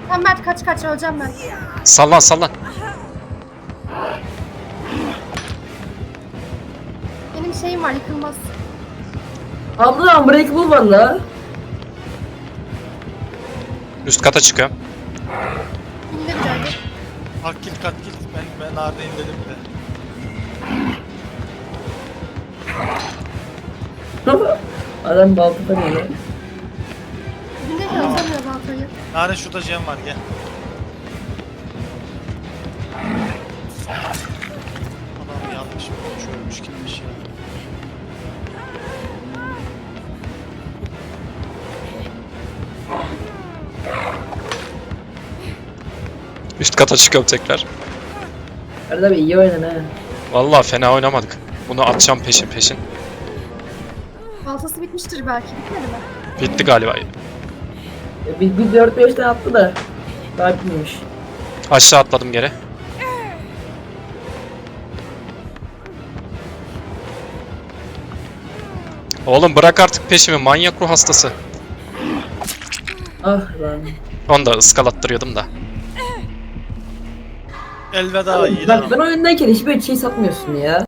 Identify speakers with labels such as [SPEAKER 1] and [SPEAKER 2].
[SPEAKER 1] Tamam Mert kaç öleceğim ben.
[SPEAKER 2] Sallan sallan.
[SPEAKER 1] Benim şeyim var yıkılmaz.
[SPEAKER 3] Abla Unbreakable var la.
[SPEAKER 2] Üst kata çıkıyorum.
[SPEAKER 1] İndir geldi.
[SPEAKER 4] Bak git kat git. Ben neredeyim dedim de.
[SPEAKER 3] Adam baltada geliyor.
[SPEAKER 1] İndir de atamıyor baltayı.
[SPEAKER 4] Nare şurada Cem var gel. Adam yanlış ölmüş gitmiş ya.
[SPEAKER 2] Üst kata çıkıyorum tekrar.
[SPEAKER 3] Arada bir iyi oynadın ha.
[SPEAKER 2] Vallahi fena oynamadık. Bunu atacağım peşin.
[SPEAKER 1] Baltası bitmiştir belki. Bitmedi mi?
[SPEAKER 2] Bitti galiba.
[SPEAKER 3] Bir 4-5 tane attı da. Daha bitmemiş.
[SPEAKER 2] Aşağı atladım geri. Oğlum bırak artık peşimi, manyak ruh hastası.
[SPEAKER 3] Ah lan.
[SPEAKER 2] Onu da ıskalattırıyordum da.
[SPEAKER 4] Elveda iyi
[SPEAKER 3] Bak ben oyundayken hiç böyle şey satmıyorsun ya.